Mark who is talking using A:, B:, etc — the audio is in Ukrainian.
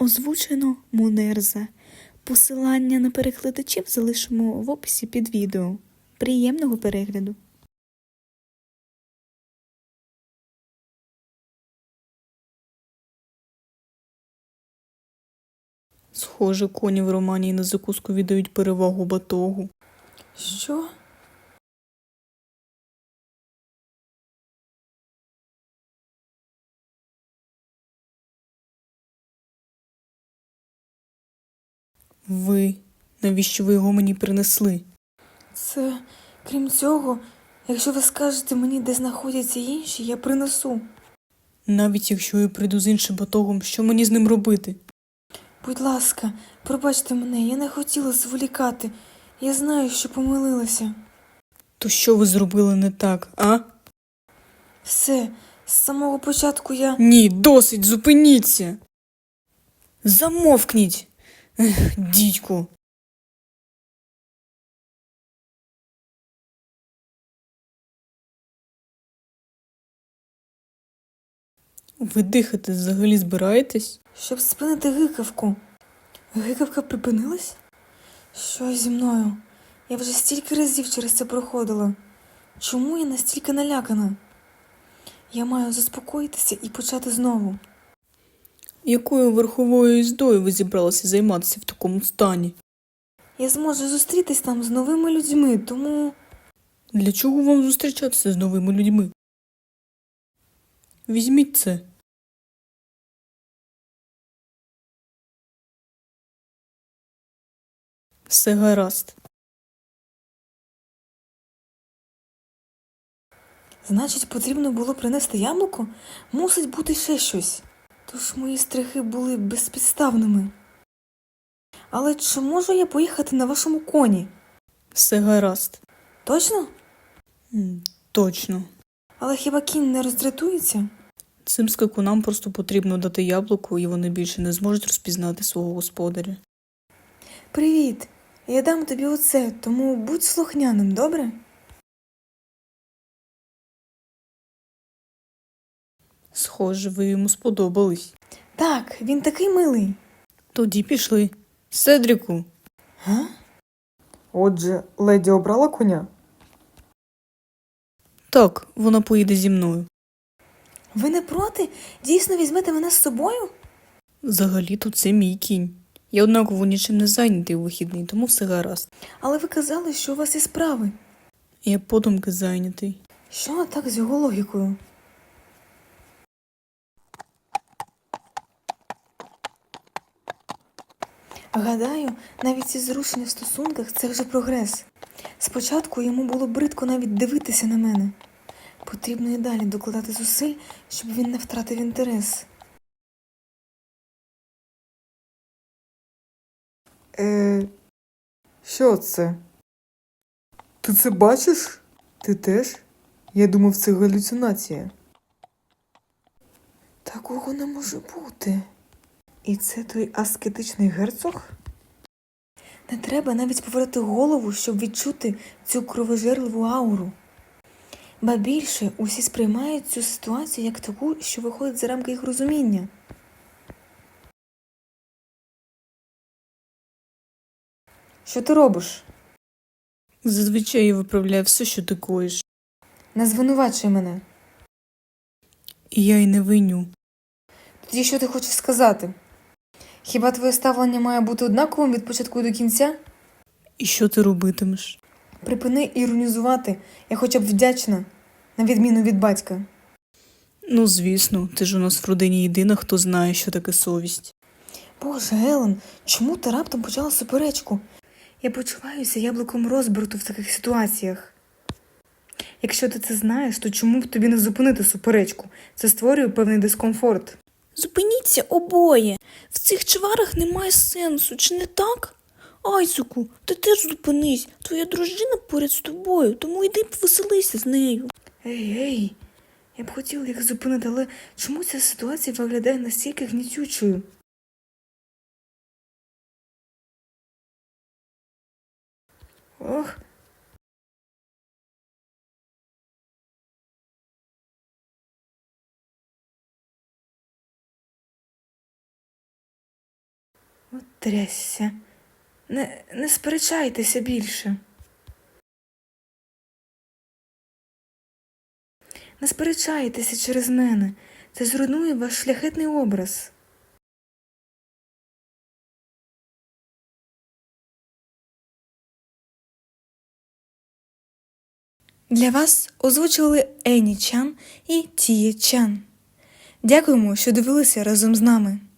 A: Озвучено Мунерза. Посилання на перекладачів залишимо в описі під відео. Приємного перегляду! Схоже, коні в Романії на закуску віддають перевагу батогу.
B: Що?
A: Ви? Навіщо ви його мені принесли?
B: Це, крім цього, якщо ви скажете мені, де знаходяться інші, я принесу.
A: Навіть якщо я прийду з іншим батогом, що мені з ним робити?
B: Будь ласка, пробачте мене, я не хотіла зволікати. Я знаю, що помилилася.
A: То що ви зробили не так, а?
B: Все, з самого початку я...
A: Ні, досить, зупиніться! Замовкніть! Дідьку! Ви дихати взагалі збираєтесь?
B: Щоб спинити гикавку. Гикавка припинилась? Що зі мною? Я вже стільки разів через це проходила. Чому я настільки налякана? Я маю заспокоїтися і почати знову.
A: Якою верховою їздою ви зібралися займатися в такому стані?
B: Я зможу зустрітись там з новими людьми, тому...
A: Для чого вам зустрічатися з новими людьми? Візьміть це. Все гаразд.
B: Значить, потрібно було принести яблуко? Мусить бути ще щось. Тож мої страхи були безпідставними. Але чи можу я поїхати на вашому коні?
A: Все гаразд.
B: Точно?
A: Точно.
B: Але хіба кінь не роздратується?
A: Цим скакунам просто потрібно дати яблуко, і вони більше не зможуть розпізнати свого господаря.
B: Привіт! Я дам тобі оце, тому будь слухняним, добре?
A: Схоже, ви йому сподобались.
B: Так, він такий милий.
A: Тоді пішли. Седріку.
B: Га?
C: Отже, леді обрала коня?
A: Так, вона поїде зі мною.
B: Ви не проти? Дійсно візьмете мене з собою?
A: Взагалі-то це мій кінь. Я однаково нічим не зайнятий у вихідний, тому все гаразд.
B: Але ви казали, що у вас є справи.
A: Я подумки зайнятий.
B: Що не так з його логікою? Гадаю, навіть ці зрушення в стосунках – це вже прогрес. Спочатку йому було бридко навіть дивитися на мене. Потрібно і далі докладати зусиль, щоб він не втратив інтерес.
C: Що це? Ти це бачиш? Ти теж? Я думав, це галюцинація.
B: Такого не може бути. І це той аскетичний герцог? Не треба навіть повернути голову, щоб відчути цю кровожерливу ауру. Ба більше, усі сприймають цю ситуацію як таку, що виходить за рамки їх розуміння. Що ти робиш?
A: Зазвичай я виправляю все, що ти коїш.
B: Не звинувачуй мене.
A: І я й не виню.
B: Тоді що ти хочеш сказати? Хіба твоє ставлення має бути однаковим від початку до кінця?
A: І що ти робитимеш?
B: Припини іронізувати, я хоча б вдячна, на відміну від батька.
A: Ну, звісно, ти ж у нас в родині єдина, хто знає, що таке совість.
B: Боже, Елен, чому ти раптом почала суперечку? Я почуваюся яблуком розбрату в таких ситуаціях. Якщо ти це знаєш, то чому б тобі не зупинити суперечку? Це створює певний дискомфорт.
A: Зупиніться обоє. В цих чварах немає сенсу, чи не так? Айзеку, ти теж зупинись. Твоя дружина поряд з тобою, тому йди повеселися з нею.
B: Ей, я б хотіла їх зупинити, але чому ця ситуація виглядає настільки гнітючою? Ох, От трясся. Не сперечайтеся більше. Не сперечайтеся через мене. Це зруйнує ваш шляхетний образ.
A: Для вас озвучували Ені Чан і Тіє Чан. Дякуємо, що дивилися разом з нами.